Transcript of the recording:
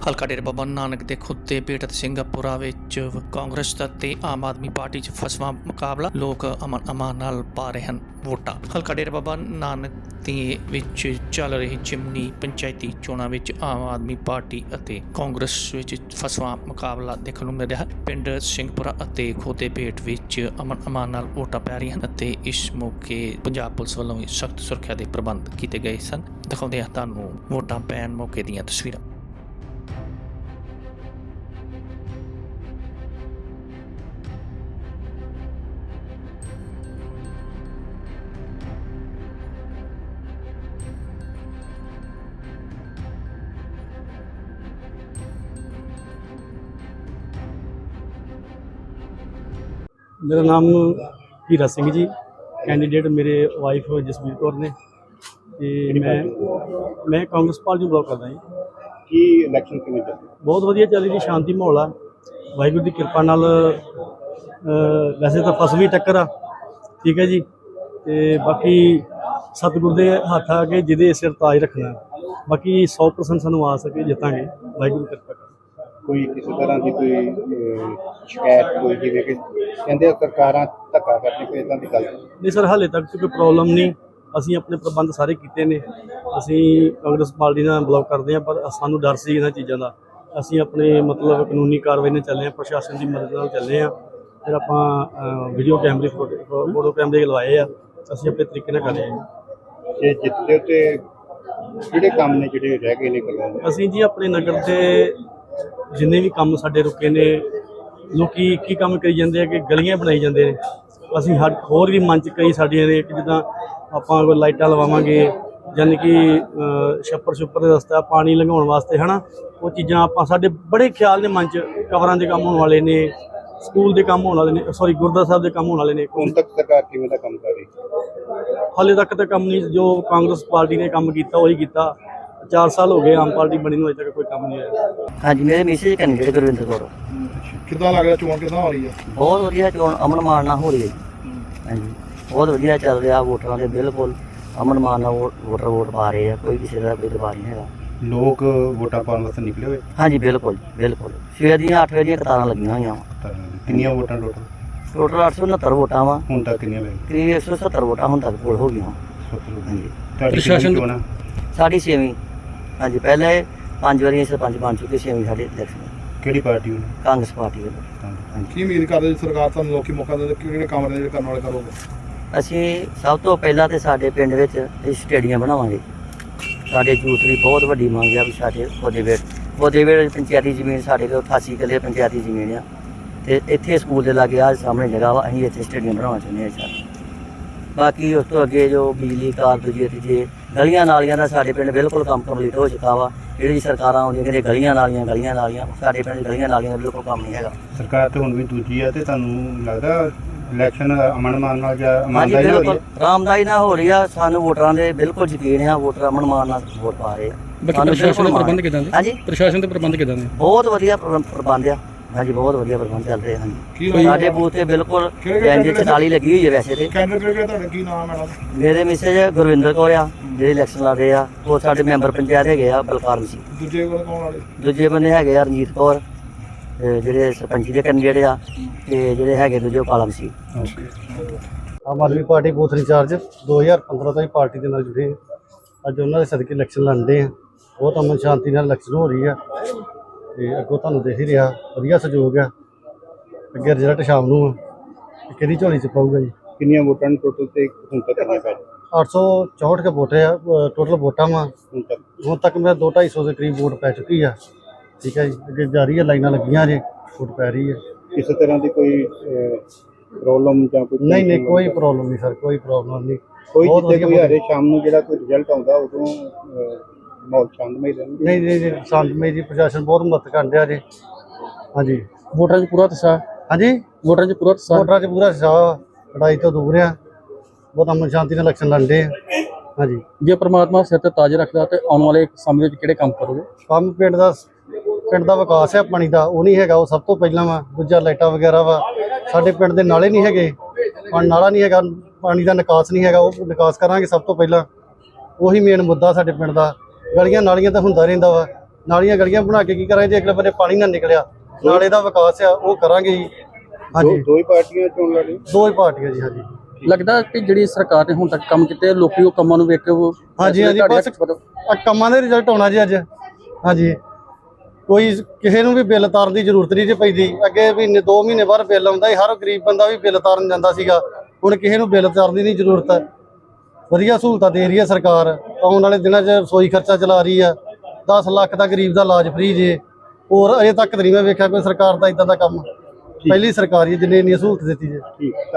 ਹਲਕਾ ਡੇਰਾ ਬਾਬਾ ਨਾਨਕ ਦੇ ਖੁੱਦੇ ਬੇਟ ਅਤੇ ਸਿੰਘਪੁਰਾ ਵਿੱਚ ਕਾਂਗਰਸ ਅਤੇ ਆਮ ਆਦਮੀ ਪਾਰਟੀ 'ਚ ਫਸਵਾਂ ਮੁਕਾਬਲਾ। ਲੋਕ ਅਮਨ ਅਮਾਨ ਨਾਲ ਪਾ ਰਹੇ ਹਨ ਵੋਟਾਂ। ਹਲਕਾ ਡੇਰਾ ਬਾਬਾ ਨਾਨਕ ਦੇ ਵਿੱਚ ਚੱਲ ਰਹੀ ਜਿਮਨੀ ਪੰਚਾਇਤੀ ਚੋਣਾਂ ਵਿੱਚ ਆਮ ਆਦਮੀ ਪਾਰਟੀ ਅਤੇ ਕਾਂਗਰਸ ਵਿੱਚ ਫਸਵਾਂ ਮੁਕਾਬਲਾ ਦੇਖਣ ਨੂੰ ਮਿਲ ਰਿਹਾ ਹੈ। ਪਿੰਡ ਸਿੰਘਪੁਰਾ ਅਤੇ ਖੁੱਦੇ ਬੇਟ ਵਿੱਚ ਅਮਨ ਅਮਾਨ ਨਾਲ ਵੋਟਾਂ ਪੈ ਰਹੀਆਂ ਹਨ ਅਤੇ ਇਸ ਮੌਕੇ ਪੰਜਾਬ ਪੁਲਿਸ ਵੱਲੋਂ ਵੀ ਸਖਤ ਸੁਰੱਖਿਆ ਦੇ ਪ੍ਰਬੰਧ ਕੀਤੇ ਗਏ ਸਨ। ਦਿਖਾਉਂਦੇ ਹਾਂ ਤੁਹਾਨੂੰ ਵੋਟਾਂ ਪੈਣ ਮੌਕੇ ਦੀਆਂ ਤਸਵੀਰਾਂ। मेरा नाम हीरा सिंह जी, कैंडीडेट मेरे वाइफ जसवीर कौर ने ते मैं कांग्रेस पार्टी ब्लॉक करदा जी। की इलैक्शन किवें चल रही? बहुत वधिया चल रही, शांति माहौल आ, वाहिगुरू की कृपा नाल। वैसे तो फसवी टक्कर आ, ठीक है जी, ते बाकी सतगुर दे हत्थ आ के जिहदे सिर ताज रखना। बाकी 100% सानूं आ सके जितांगे, वाहिगुरू की कृपा। कोई किसी तरह की कोई शिकायत कोई जिवें कि कहंदे सरकारां धक्का करदी कोई इदां दी गल नहीं सर, हाले तक तो कोई प्रॉब्लम नहीं। ਅਸੀਂ ਆਪਣੇ ਪ੍ਰਬੰਧ ਸਾਰੇ ਕੀਤੇ ਨੇ। ਅਸੀਂ ਕਾਂਗਰਸ ਪਾਰਟੀ ਨਾਲ ਬਲੌਕ ਕਰਦੇ ਹਾਂ, ਪਰ ਸਾਨੂੰ ਡਰ ਸੀ ਇਹਨਾਂ ਚੀਜ਼ਾਂ ਦਾ। ਅਸੀਂ ਆਪਣੇ ਮਤਲਬ ਕਾਨੂੰਨੀ ਕਾਰਵਾਈ ਨਾਲ ਚੱਲੇ ਹਾਂ, ਪ੍ਰਸ਼ਾਸਨ ਦੀ ਮਦਦ ਨਾਲ ਚੱਲੇ ਹਾਂ। ਫਿਰ ਆਪਾਂ ਵੀਡੀਓ ਕੈਮਰੇ ਫੋਟੋ ਕੈਮਰੇ ਲਵਾਏ ਆ, ਅਸੀਂ ਆਪਣੇ ਤਰੀਕੇ ਨਾਲ ਕਰ ਰਹੇ ਹਾਂ। ਜੇ ਜਿੱਤਦੇ ਤੇ ਜਿਹੜੇ ਕੰਮ ਨੇ ਜਿਹੜੇ ਰਹਿ ਗਏ ਨੇ ਕਰਵਾਉਣੇ, ਅਸੀਂ ਜੀ ਆਪਣੇ ਨਗਰ ਦੇ ਜਿੰਨੇ ਵੀ ਕੰਮ ਸਾਡੇ ਰੁਕੇ ਨੇ, ਲੋਕੀ ਇੱਕ ਹੀ ਕੰਮ ਕਰੀ ਜਾਂਦੇ ਆ ਕਿ ਗਲੀਆਂ ਬਣਾਈ ਜਾਂਦੇ ਨੇ। ਅਸੀਂ ਹੋਰ ਵੀ ਮਨ 'ਚ ਕਈ ਸਾਡੀਆਂ ਨੇ ਕਿ ਜਿੱਦਾਂ ਆਪਾਂ ਕੋਈ ਲਾਈਟਾਂ ਲਵਾਵਾਂਗੇ, ਯਾਨੀ ਕਿ ਛੱਪਰ ਦੇ ਰਸਤਾ ਪਾਣੀ ਲੰਘਾਉਣ ਵਾਸਤੇ ਹੈ ਨਾ, ਉਹ ਚੀਜ਼ਾਂ ਆਪਾਂ ਸਾਡੇ ਬੜੇ ਖਿਆਲ ਨੇ ਮਨ 'ਚ। ਕਵਰਾਂ ਦੇ ਕੰਮ ਹੋਣ ਵਾਲੇ ਨੇ, ਸਕੂਲ ਦੇ ਕੰਮ ਹੋਣ ਵਾਲੇ ਨੇ, ਸੌਰੀ ਗੁਰਦੁਆਰਾ ਸਾਹਿਬ ਦੇ ਕੰਮ ਹੋਣ ਵਾਲੇ ਨੇ। ਹੁਣ ਤੱਕ ਸਰਕਾਰ ਕਿਵੇਂ ਦਾ ਕੰਮ ਕਰ ਰਹੀ? ਹਾਲੇ ਤੱਕ ਤਾਂ ਕੰਮ ਨਹੀਂ, ਜੋ ਕਾਂਗਰਸ ਪਾਰਟੀ ਨੇ ਕੰਮ ਕੀਤਾ ਉਹੀ ਕੀਤਾ। 4 ਸਾਲ ਹੋ ਗਏ ਆਮ ਪਾਰਟੀ ਬਣੀ ਨੂੰ, ਅਜੇ ਤੱਕ ਕੋਈ ਕੰਮ ਨਹੀਂ ਆਇਆ। ਹਾਂਜੀ, ਮੇਰੇ ਮੈਸੇਜ ਕੈਂਡੀਡੇਟ ਗੁਰਵਿੰਦਰ ਕੌਰ। ਕਿੱਦਾਂ ਲੱਗ ਰਿਹਾ ਚੋਣ ਕਿੱਦਾਂ ਹੋ ਰਹੀ ਹੈ? ਬਹੁਤ ਵਧੀਆ ਚੋਣ ਅਮਨ ਮਾਨ ਨਾਲ ਹੋ ਰਹੀ ਹੈ ਜੀ। ਹਾਂਜੀ, ਬਹੁਤ ਵਧੀਆ ਚੱਲ ਰਿਹਾ। ਵੋਟਰਾਂ ਦੇ ਬਿਲਕੁਲ ਅਮਨ ਮਾਨ ਨਾਲ ਵੋਟਰ ਵੋਟ ਪਾ ਰਹੇ ਆ, ਕੋਈ ਕਿਸੇ ਦਾ ਕੋਈ ਦਬਾਅ ਨਹੀਂ ਹੈਗਾ। ਲੋਕ ਵੋਟਾਂ ਪਾਉਣ ਵਾਸਤੇ ਨਿਕਲੇ ਹੋਏ? ਹਾਂਜੀ, ਬਿਲਕੁਲ ਬਿਲਕੁਲ। ਸਵੇਰ ਦੀਆਂ 8 ਵਜੇ ਦੀਆਂ ਕਤਾਰਾਂ ਲੱਗੀਆਂ ਹੋਈਆਂ ਵਾ। ਕਿੰਨੀਆਂ ਵੋਟਾਂ ਟੋਟਲ 869 ਵੋਟਾਂ ਵਾ। ਹੁਣ ਤੱਕ ਕਿੰਨੀਆਂ ਪੈ ਕਰੀਬ 170 ਵੋਟਾਂ ਹੁਣ ਤੱਕ ਪੋਲ ਹੋ ਗਈਆਂ। ਹਾਂਜੀ, ਪ੍ਰਸ਼ਾਸਨ ਚੋਣਾਂ ਸਾਡੀ 6ਵੀਂ। ਹਾਂਜੀ, ਪਹਿਲੇ 5 ਵਾਰੀ ਸਰਪੰਚ ਬਣ ਚੁੱਕੇ, 6ਵੀਂ ਸਾਡੀ ਇਲੈਕਸ਼ਨ ਕਿਹੜੀ ਪਾਰਟੀ ਹੋਣੀ? ਕਾਂਗਰਸ ਪਾਰਟੀ ਵੱਲੋਂ। ਕੀ ਉਮੀਦ ਕਰਦੇ ਸਰਕਾਰ ਤੁਹਾਨੂੰ ਲੋਕੀ ਮੌਕਾ ਦੇ ਕਿਹੜੇ ਕੰਮ ਜਿਹੜੇ ਕਰਨ ਵਾਲੇ ਕਰੋਗੇ? ਅਸੀਂ ਸਭ ਤੋਂ ਪਹਿਲਾਂ ਤੇ ਸਾਡੇ ਪਿੰਡ ਵਿੱਚ ਸਟੇਡੀਅਮ ਬਣਾਵਾਂਗੇ। ਸਾਡੇ ਯੂਥ ਦੀ ਬਹੁਤ ਵੱਡੀ ਮੰਗ ਆ ਵੀ ਸਾਡੇ ਖੁੱਦੇ ਪੰਚਾਇਤੀ ਜ਼ਮੀਨ ਸਾਡੇ ਕੋਲ 88 ਕਿੱਲੇ ਪੰਚਾਇਤੀ ਜ਼ਮੀਨ ਆ, ਅਤੇ ਇੱਥੇ ਸਕੂਲ ਦੇ ਲਾਗੇ ਆ ਸਾਹਮਣੇ ਜਗ੍ਹਾ ਵਾ, ਅਸੀਂ ਇੱਥੇ ਸਟੇਡੀਅਮ ਬਣਾਉਣਾ ਚਾਹੁੰਦੇ ਹਾਂ ਸਰ। ਬਾਕੀ ਉਸ ਤੋਂ ਅੱਗੇ ਜੋ ਬਿਜਲੀ ਕਾਰ ਦੂਜੇ ਤੀਜੇ ਗਲੀਆਂ ਨਾਲੀਆਂ ਦਾ ਸਾਡੇ ਪਿੰਡ ਬਿਲਕੁਲ ਕੰਮ ਕੰਪਲੀਟ ਹੋ ਚੁੱਕਾ ਵਾ। ਜਿਹੜੀ ਸਰਕਾਰਾਂ ਆਉਂਦੀਆਂ ਕਹਿੰਦੇ ਗਲੀਆਂ ਨਾਲੀਆਂ ਸਾਡੇ ਪਿੰਡ ਗਲੀਆਂ ਨਾਲੀਆਂ ਦਾ ਬਿਲਕੁਲ ਕੰਮ ਨਹੀਂ ਹੈਗਾ। ਸਰਕਾਰ ਤੇ ਹੁਣ ਵੀ ਦੂਜੀ ਆ, ਤੇ ਤੁਹਾਨੂੰ ਲੱਗਦਾ ਇਲੈਕਸ਼ਨ ਅਮਨ ਮਾਨ ਨਾਲ ਜਾਂ ਹਾਂਜੀ, ਬਿਲਕੁਲ ਆਰਾਮਦਾਈ ਨਾਲ ਹੋ ਰਹੀ ਆ। ਸਾਨੂੰ ਵੋਟਰਾਂ ਦੇ ਬਿਲਕੁਲ ਯਕੀਨ ਆ, ਵੋਟਰ ਅਮਨ ਮਾਨ ਨਾਲ ਵੋਟ ਪਾ ਰਹੇ ਆ। ਪ੍ਰਸ਼ਾਸਨ ਦੇ ਪ੍ਰਬੰਧ ਕਿੱਦਾਂ ਨੇ? ਹਾਂਜੀ, ਪ੍ਰਸ਼ਾਸਨ ਦੇ ਪ੍ਰਬੰਧ ਕਿੱਦਾਂ ਨੇ? ਬਹੁਤ ਵਧੀਆ ਪ੍ਰਬੰਧ ਆ। ਹਾਂਜੀ, ਬਹੁਤ ਵਧੀਆ ਪ੍ਰਬੰਧ ਚੱਲ ਰਹੇ ਹਨ। ਸਾਡੇ ਬੂਥ ਤੇ ਬਿਲਕੁਲ ਬੈਂਚ 44 ਲੱਗੀ ਹੋਈ ਹੈ। ਵੈਸੇ ਤੇ ਕੈਂਡੀਡੇਟ ਤੁਹਾਡਾ ਕੀ ਨਾਮ ਹੈ? ਮੇਰੇ ਮੈਸੇਜ ਗੁਰਵਿੰਦਰ ਕੌਰ ਆ, ਜਿਹੜੇ ਇਲੈਕਸ਼ਨ ਲੜ ਰਹੇ ਆ। ਉਹ ਸਾਡੇ ਮੈਂਬਰ ਪੰਚਾਇਤ ਹੈਗੇ ਆ ਬਲਕਾਰ ਸਿੰਘ। ਦੂਜੇ ਕੋਲ ਕੌਣ ਵਾਲੇ? ਦੂਜੇ ਬੰਦੇ ਹੈਗੇ ਆ ਰਣਜੀਤ ਕੌਰ, ਜਿਹੜੇ ਸਰਪੰਚੀ ਦੇ ਕੈਂਡੀਡੇਟ ਆ, ਤੇ ਜਿਹੜੇ ਹੈਗੇ ਦੂਜੇ ਕਾਲਮ ਸੀ। ਆਮ ਆਦਮੀ ਪਾਰਟੀ ਬੂਥ ਇੰਚਾਰਜ 2015 ਤੋਂ ਹੀ ਪਾਰਟੀ ਦੇ ਨਾਲ ਜੁੜੇ ਹਾਂ। ਅੱਜ ਉਹਨਾਂ ਦੇ ਸਦਕੇ ਇਲੈਕਸ਼ਨ ਲੜਦੇ ਆ। ਬਹੁਤ ਅਮਨ ਸ਼ਾਂਤੀ ਨਾਲ ਇਲੈਕਸ਼ਨ ਹੋ ਰਹੀ ਆ, ਤੇ ਅੱਗੋਂ ਤੁਹਾਨੂੰ ਦੇਖ ਹੀ ਰਿਹਾ ਵਧੀਆ ਸਹਿਯੋਗ ਆ। ਅੱਗੇ ਰਿਜ਼ਲਟ ਸ਼ਾਮ ਨੂੰ ਆ, ਕਿਹਦੀ ਝੋਲੀ 'ਚ ਪਾਊਗਾ ਜੀ। ਕਿੰਨੀਆਂ ਵੋਟਾਂ ਨੇ ਟੋਟਲ ਤੇ ਹੁਣ ਤੱਕ ਕਿੰਨੇ ਪੈ? 864 ਕੇ ਵੋਟ ਆ ਟੋਟਲ ਵੋਟਾਂ ਵਾ। ਹੁਣ ਤੱਕ ਮੇਰਾ 200-250 ਦੇ ਕਰੀਬ ਵੋਟ ਪੈ ਚੁੱਕੀ ਆ। ਠੀਕ ਹੈ ਜੀ, ਅੱਗੇ ਜਾਰੀ ਹੈ, ਲਾਈਨਾਂ ਲੱਗੀਆਂ ਜੇ, ਵੋਟ ਪੈ ਰਹੀ ਹੈ। ਕਿਸੇ ਤਰ੍ਹਾਂ ਦੀ ਕੋਈ ਪ੍ਰੋਬਲਮ ਜਾਂ ਕੋਈ? ਨਹੀਂ, ਕੋਈ ਪ੍ਰੋਬਲਮ ਨਹੀਂ ਸਰ, ਕੋਈ ਪ੍ਰੋਬਲਮ ਨਹੀਂ। ਕੋਈ ਜਿੱਥੇ ਕੋਈ ਹਰੇ ਸ਼ਾਮ ਨੂੰ ਜਿਹੜਾ ਕੋਈ ਰਿਜ਼ਲਟ ਆਉਂਦਾ ਉਦੋਂ ਮਾਹੌਲ ਸ਼ਾਂਤਮਈ ਰਹਿੰਦਾ? ਨਹੀਂ, ਸ਼ਾਂਤਮਈ ਜੀ। ਪ੍ਰਸ਼ਾਸਨ ਬਹੁਤ ਮਦਦ ਕਰ ਰਿਹਾ ਜੀ। ਹਾਂਜੀ, ਵੋਟਰਾਂ 'ਚ ਪੂਰਾ ਉਤਸ਼ਾਹ। ਹਾਂਜੀ, ਵੋਟਰਾਂ 'ਚ ਪੂਰਾ ਉਤਸ਼ਾਹ, ਲੜਾਈ ਤੋਂ ਦੂਰ ਆ, ਬਹੁਤ ਅਮਨ ਸ਼ਾਂਤੀ ਨਾਲ ਇਲੈਕਸ਼ਨ ਲੜਦੇ ਆ। ਹਾਂਜੀ, ਜੇ ਪ੍ਰਮਾਤਮਾ ਸਿਰ ਤੇ ਤਾਜ ਰੱਖਦਾ ਤੇ ਆਉਣ ਵਾਲੇ ਸਮੇਂ ਵਿੱਚ ਕਿਹੜੇ ਕੰਮ ਕਰੋਗੇ? ਕੰਮ ਪਿੰਡ ਦਾ ਵਿਕਾਸ ਹੈ, ਪਾਣੀ ਦਾ ਉਹ ਨਹੀਂ ਹੈਗਾ, ਉਹ ਸਭ ਤੋਂ ਪਹਿਲਾਂ ਵਾ। ਦੂਜਾ ਲਾਈਟਾਂ ਵਗੈਰਾ ਵਾ। ਸਾਡੇ ਪਿੰਡ ਦੇ ਨਾਲੇ ਨਹੀਂ ਹੈਗੇ, ਨਾਲਾ ਨਹੀਂ ਹੈਗਾ, ਪਾਣੀ ਦਾ ਨਿਕਾਸ ਨਹੀਂ ਹੈਗਾ, ਉਹ ਨਿਕਾਸ ਕਰਾਂਗੇ ਸਭ ਤੋਂ ਪਹਿਲਾਂ। ਉਹੀ ਮੇਨ ਮੁੱਦਾ ਸਾਡੇ ਪਿੰਡ ਦਾ। ਗਲੀਆਂ ਨਾਲੀਆਂ ਤਾਂ ਹੁੰਦਾ ਰਹਿੰਦਾ ਵਾ, ਨਾਲੀਆਂ ਗਲੀਆਂ ਬਣਾ ਕੇ ਕੀ ਕਰਾਂਗੇ ਜੇ ਅਗਲੇ ਬੰਨੇ ਪਾਣੀ ਨਾ ਨਿਕਲਿਆ, ਨਾਲੇ ਦਾ ਵਿਕਾਸ ਆ ਉਹ ਕਰਾਂਗੇ ਜੀ। ਹਾਂਜੀ, ਦੋ ਹੀ ਪਾਰਟੀਆਂ ਚੋਣ ਲੜ ਰਹੀਆਂ। ਦੋ ਹੀ ਪਾਰਟੀਆਂ ਜੀ। ਹਾਂਜੀ ਲੱਗਦਾ ਕਿ ਜਿਹੜੀ ਸਰਕਾਰ ਨੇ ਹੁਣ ਤੱਕ ਕੰਮ ਕੀਤੇ ਲੋਕੀ ਉਹ ਕੰਮਾਂ ਨੂੰ ਵੇਖ ਕੇ ਉਹ ਹਾਂਜੀ ਹਾਂਜੀ ਬਸ ਆਹ ਕੰਮਾਂ ਦੇ ਰਿਜ਼ਲਟ ਆਉਣਾ ਜੀ ਅੱਜ। ਹਾਂਜੀ ਕੋਈ ਕਿਸੇ ਨੂੰ ਵੀ ਬਿੱਲ ਤਾਰਨ ਦੀ ਜ਼ਰੂਰਤ ਨਹੀਂ ਜੀ ਪੈਂਦੀ। ਅੱਗੇ ਮਹੀਨੇ 2 ਮਹੀਨੇ ਬਾਅਦ ਬਿੱਲ ਆਉਂਦਾ ਸੀ, ਹਰ ਗਰੀਬ ਬੰਦਾ ਵੀ ਬਿੱਲ ਤਾਰਨ ਜਾਂਦਾ ਸੀਗਾ। ਹੁਣ ਕਿਸੇ ਨੂੰ ਬਿੱਲ ਤਾਰਨ ਦੀ ਨਹੀਂ ਜ਼ਰੂਰਤ। ਵਧੀਆ ਸਹੂਲਤਾਂ ਦੇ ਰਹੀ ਹੈ ਸਰਕਾਰ। ਆਉਣ ਵਾਲੇ ਦਿਨਾਂ 'ਚ ਰਸੋਈ ਖਰਚਾ ਚਲਾ ਰਹੀ ਆ। 10 ਲੱਖ ਦਾ ਗਰੀਬ ਦਾ ਇਲਾਜ ਫ੍ਰੀ ਜੇ। ਹੋਰ ਅਜੇ ਤੱਕ ਤਾਂ ਨਹੀਂ ਮੈਂ ਵੇਖਿਆ ਕੋਈ ਸਰਕਾਰ ਦਾ ਇਦਾਂ ਦਾ ਕੰਮ। ਪਹਿਲੀ ਸਰਕਾਰ ਹੀ ਜਿਹਨੇ ਇੰਨੀ ਸਹੂਲਤ ਦਿੱਤੀ ਜੇ। ਠੀਕ।